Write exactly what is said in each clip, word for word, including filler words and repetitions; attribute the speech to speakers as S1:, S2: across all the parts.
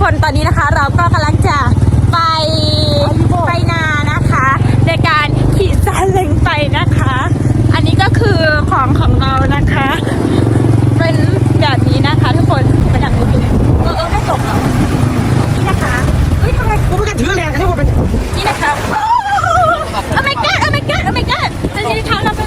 S1: คนตอนนี้นะคะเราก็กำลังจะไปไปนานะคะในการขี่ซาเล้งไปนะคะอันนี้ก็คือของของเรานะคะเป็นแบบนี้นะคะทุกคนไปทางนู้นดูเออเออไม่ตกหรอนี่นะคะเฮ้ยทำไมกูไม่กระถือแรงที่กูเป็นนี่นะคะโอ้ my god oh my god oh my god จะยืนเท้าเราไป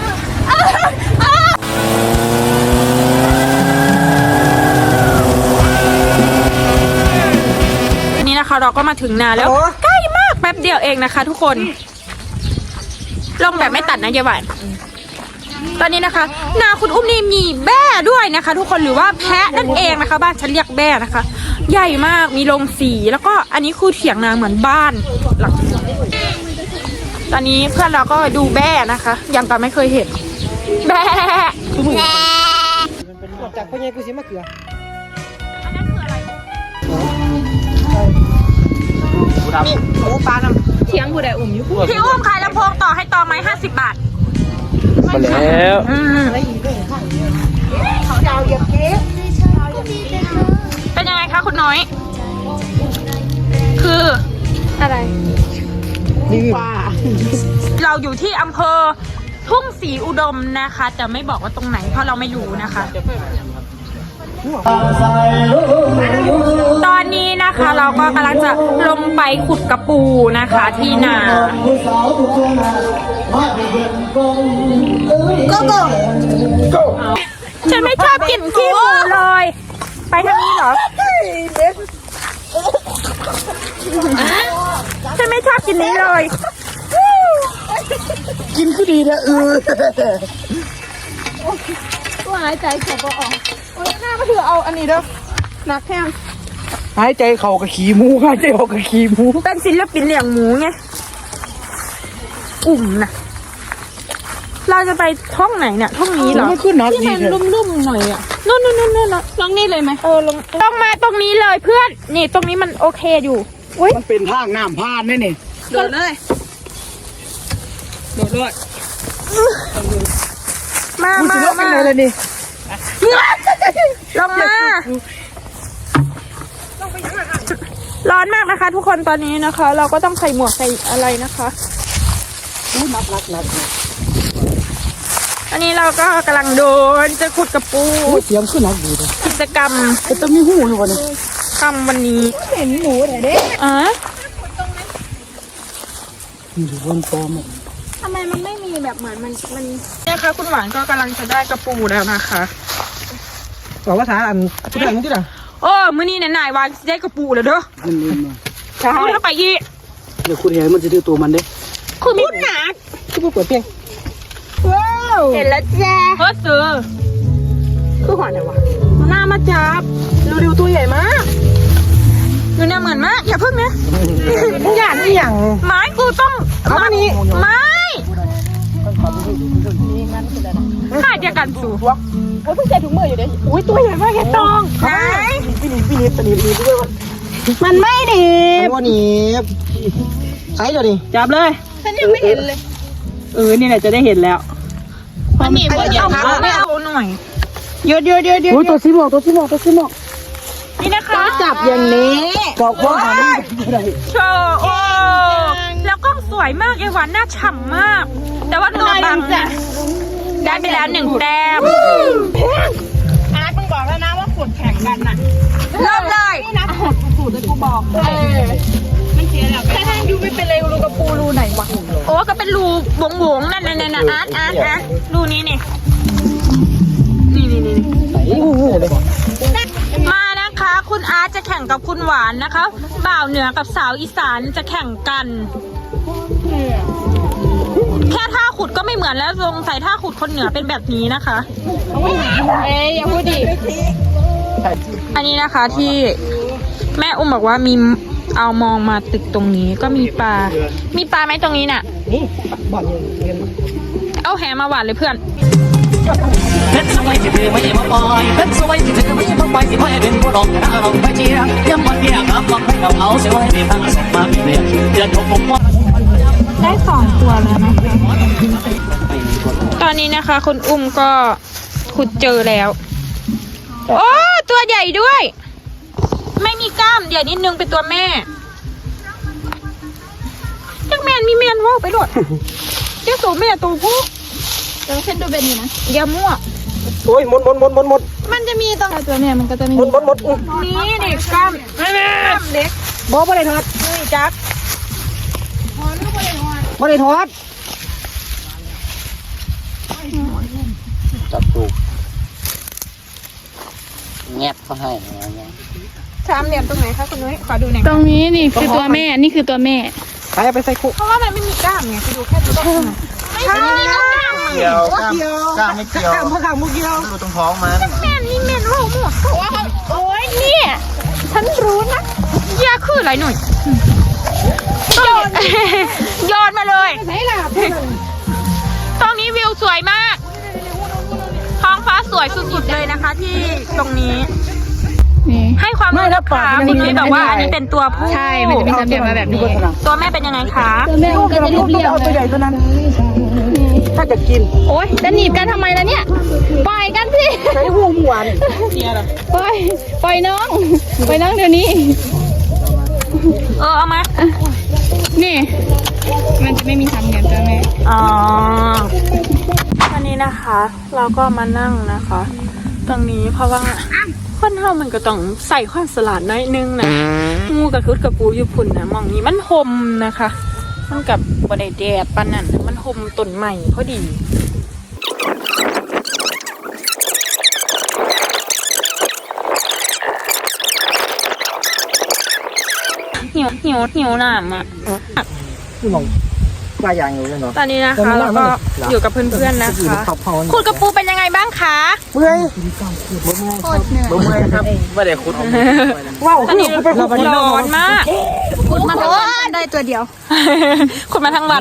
S1: นี่นะคะเราก็มาถึงนาแล้วใกล้มากแป๊บเดียวเองนะคะทุกคนลงแบบไม่ตัดนะเยาหวานตอนนี้นะคะนาคุณอุ้มนี่มีแบ่ด้วยนะคะ ทุกคนหรือว่าแพะนั่นเองนะคะบ้านฉันเรียกแบ่นะคะ ใหญ่มากมีโรงสีแล้วก็อันนี้คือเถียงนาเหมือนบ้านหลังตอนนี้เพื่อนเราก็ดูแบ่นะคะยังก็ไม่เคยเห็นแบ่
S2: จากพ่อใหญ่กูสิมะเขือ
S1: อันนั้นคืออะไร
S2: นี่โอ้ปลาน้ำ
S1: เถียงกูได้อุ่มอยู่พี่อุ้มขายลำโพงต่อให้ตองไหมห้าสิบบาท
S2: มาแล้ว
S1: เขาดาวเหยียบเก๊เป็นยังไงคะคุณน้อยคืออะไร
S2: นี่ปลา
S1: เราอยู่ที่อำเภอทุ่งศรีอุดมนะคะจะไม่บอกว่าตรงไหนเพราะเราไม่รู้นะคะตอนนี้นะคะเราก็กำลังจะลงไปขุดกระปูนะคะที่นาโกโก้ฉันไม่ชอบกินขี้หมูเลยไปทางนี้เหรอฉันไม่ชอบกินนี้เลย
S2: กินก็ดีนะเออ
S1: ว่าหายใจเขาก็ออกโอ้ยหน้าก็ถือเอาอันนี้เด้อนักแข้ง
S2: หายใจเขากับขี้หมูหายใจเขากับขี้หมู
S1: เป็นศิลปินเลี้ยงหมูไงอุ่มนะเราจะไปท่องไหนเนี่ยท่องนี้เหรอที่มันลุ่มๆหน่อยอ่ะนู่นนู่นนู่นนู่นลงนี่เลยไหมเออลงต้องมาตรงนี้เลยเพื่อนนี่ตรงนี้มันโอเคอยู่
S2: มันเป็นทางน้ำพานนี่นี่
S1: โดดเลยโดดเลยมามามา
S2: เลยนี่
S1: ลงมาร้อนมากนะคะทุกคนตอนนี้นะคะ เราก็ต้องใส่หมวกใส่อะไรนะคะ
S2: นักนักนัก
S1: อันนี้เราก็กำลังโดนจะขุดกระปู
S2: เสียงขึ้นนักดีเลย
S1: กิจกรรม
S2: จะมีหูอยู่วันนี้
S1: ทำวันนี้
S2: เห็นหมูแต่เด็ก
S1: อ่ะ
S2: อยู่บนโต๊ะ
S1: ทำไมมันไม่มีแบบเหมือนมันมันเนี่ยค่ะคุณหวานก็กำลังจะได้กระปูแล้วนะคะ
S2: บอกว่าสารอันที่ไหนมึงที่ไหน
S1: โอ้มื้อนี้ไหนๆวางได้กระปูแล้วเด้อ
S2: มันนี่มา
S1: ใช่ถ้าไปอีก
S2: เดี๋ยวคุณเห็นมันจะดื้อตัวมันเด้
S1: คือมีหนัก
S2: คือผู้เปิดเพียง
S1: ว้าวเห็นแล้วแจ้เฮ้ยซื้อคือหัวไหนวะหน้ามาจับ
S2: ดูๆตัวใหญ่มาก
S1: ดูเนี่ยเหมือนมากอย่าพึ่งนะ
S2: อย่างนี้อย่าง
S1: ไม้กูต้อง
S2: เอาอันนี้
S1: ไม้ข้าจะกันสู่
S2: ว่าเพิ่งใส่ถุงมืออยู่เด้อุ้ยตัวใหญ่มากแค่ตอง
S1: ไหน
S2: พี่นิดพี่นิดพี่นิดพี่นิดด้วย
S1: มันไม่ดี
S2: มันว่านี้ใช่เดี๋ยวดิ
S1: จับเลยฉันยังไม่เห็นเลยเออนี่แหละจะได้เห็นแล้วมันหนีบอย่าเอาไม่เอาหน่อยเยอะเยอะเยอะเยอะ
S2: ตัวสีหมอกตัวสีหมอกตัวสีหมอก
S1: นี่นะคะ
S2: จับอย่างนี้บอกว่า
S1: โชว์โอ้แล้วก็สวยมากไอ้หวานหน้าฉ่ำมากแต่ว่าหนูบางจะได้ไปแล้วหนึ่งแต้มอาร์ตมึงบอกแล้วนะว่าขุดแข่งกันน่ะเริ่มเลยนี่นะขุดขุดเลยกูบอกเออไม่เสียหรอกแค่ให้ดูไม่เป็นไรรูกระปูรูไหนวะโอ้ก็เป็นรูบงบงนั่นนั่นนั่นอาร์ตอาร์ตอาร์ตรูนี้นี่นี่นี่นี่มานะคะคุณอาร์ตจะแข่งกับคุณหวานนะคะบ่าวเหนือกับสาวอีสานจะแข่งกันแค่ท่าขุดก็ไม่เหมือนแล้วสงสัยท่าขุดคนเหนือเป็นแบบนี้นะคะเอ้ยอย่าพูดดิอันนี้นะคะที่แม่อุ้มบอกว่ามีเอามองมาตึกตรงนี้ก็มีปลามีปลาไหมตรงนี้น่ะ
S2: นี่บ่อน
S1: เอาแหมาหวานเลยเพื่อน
S3: เพชรสวยที่เธอไม่มาปล่อยเพชรสวยที่เธอไม่มาปล่อยสิพ่อเป็นผู้รองแต่เราไม่เชียร์ยังมันเพียงครับลองให้เราเอาเสียไว้ในทางส่งมาเรียนเดือนของผมว่า
S1: ได้สองตัวแล้วนะคะตอนนี้นะคะคุณอุ้มก็ขุดเจอแล้วโอ้ตัวใหญ่ด้วยไม่มีกล้ามเดี๋ยวนิดนึงเป็นตัวแม่จักแมนมีแมนว่าไปโดดเจ้าตัวแม่ตัวผู้
S4: แต่ว่าเส้นดูเป็นอยู่นะ
S1: อย่ามั่ว
S2: โอ้ยหมดหมดหมดหมดหมด
S4: มันจะมีตรงตัวเนี่ยมันก็จะมี
S2: หมดหมดหมดอุ้ย
S1: นี่นี่กล้ามกล้ามเล็ก
S2: บอบ่ได้ทอด
S1: นี่จัก
S2: บ่ได้ทอดจับตูแงบเขาให้
S1: สามเหลี่ยมตรงไหนคะคุณนุ้ยขอดูหน่อย
S4: ตรงนี้นี่คือตัวแม่นี่คือตัวแม่
S2: ไปไปใส่คุก
S1: เพราะว่ามันไม่มีกล้ามไงคุณดูแค่ตัวต้นไม่ใช่มีกล้าม
S5: เกี่ยวกล้ามกล้ามไม่เกี่ยว
S2: ข้างข้างมุกเกี่ยว
S5: ดูตรงท้องมัน
S1: แม่นี่แม่รู้หมดโอ้ยเนี่ยฉันรู้นะยาคืออะไรหน่อยโยนโยนมาเลยตรงนี้วิวสวยมากท้องฟ้าสวยสุดๆเลยนะคะ ที่ตรงนี้
S4: นี่
S1: ให้ความรู้นะคะคุณนุ้ยบอกว่าอันนี้เป็นตัวผู้
S4: ใช่มันจะเป็นสามเหลี่ยมมาแบบนี้
S1: ตัวแม่เป็นยังไงคะ
S4: ตัวแม่มันก็จะเรียบ
S2: เอาตัวใหญ่ตัวนั้น ถ้าจะกิน
S4: ๆโอ๊ยจะหนีบกันทำไมล่ะเนี่ยปล่อยกันสิ
S2: ใช้หูหวาน
S4: ปล่อยปล่อยน้องปล่อยน้องเดี๋ยวนี้
S1: เออเอามา
S4: นี่ มันจะไม่มีสามเหลี่ยมตัวแม่
S1: อ๋อวันนี้นะคะ เราก็มานั่งนะคะ ตรงนี้เพราะว่าคนเฮามันก็ต้องใส่ความสลัดน้อยนึงนะงูกับคุดกับปูอยู่พุ่นนะมองนี้มันห่มนะคะ มันกับบไดแดดปานนั้นมันห่มต้นใหม่พอดีหิวหิวหิวน้ำอ่ะ
S2: นี่มองปลายางอยู่เลยเนาะ
S1: ตอนนี้นะคะเราก็อยู่กับเพื่อนๆนะคะคุณกับปูเป็นยังไงบ้างคะ
S2: เมื่อย
S4: โคตรเหนื่อย
S5: บ่เมื่อยครับไม่ได้คุด
S2: ว้าว
S1: ตอนนี้ร้อนมาก
S4: พูดมาทั้งวันได้ตัวเดียว
S1: คุณมาทั้งวัน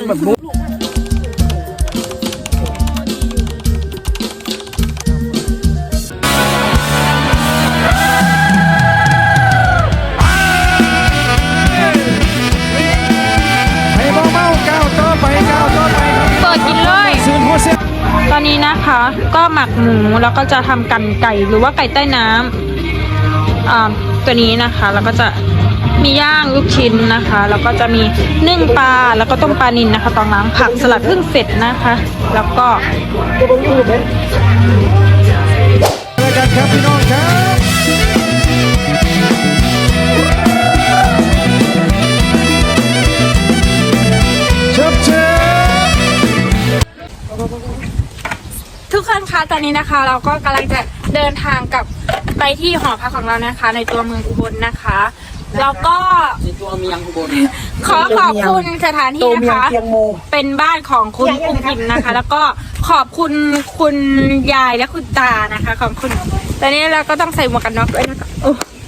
S2: ให้เบาเบาก้าวต่อไปก้าวต่อไปครับ
S1: เปิดกินเลย
S2: ซื้อหัวเสีย
S1: ตอนนี้นะคะก็หมักหมูแล้วก็จะทำกันไก่หรือว่าไก่ใต้น้ำอ่าตัวนี้นะคะแล้วก็จะมีย่างลูกชิ้นนะคะแล้วก็จะมีนึ่งปลาแล้วก็ต้มปลานิลนะคะตองล้างผักสลัดเพิ่งเสร็จนะคะ แล้วก็
S2: ตัวบางอยู่เป็นเจอกันครับพี่น้องครับเชิบเชิบ
S1: ทุกคนคะตอนนี้นะคะ เราก็กำลังจะเดินทางกลับไปที่หอพักของเรานะคะ ในตัวเมืองอุบลนะคะแล้วก็
S5: ตัวเมียงอุบล
S1: ขอขอบคุณสถานที่
S2: ตัว
S1: นะ
S2: เมียง
S1: คะ
S2: เตียงโม
S1: เป็นบ้านของคุณอุ้มพิมนะคะ แล้วก็ขอบคุณคุณยายและคุณตานะคะ ขอบคุณตอนนี้เราก็ต้องใส่หมวกกันน็อกด้วยนะคะโอ้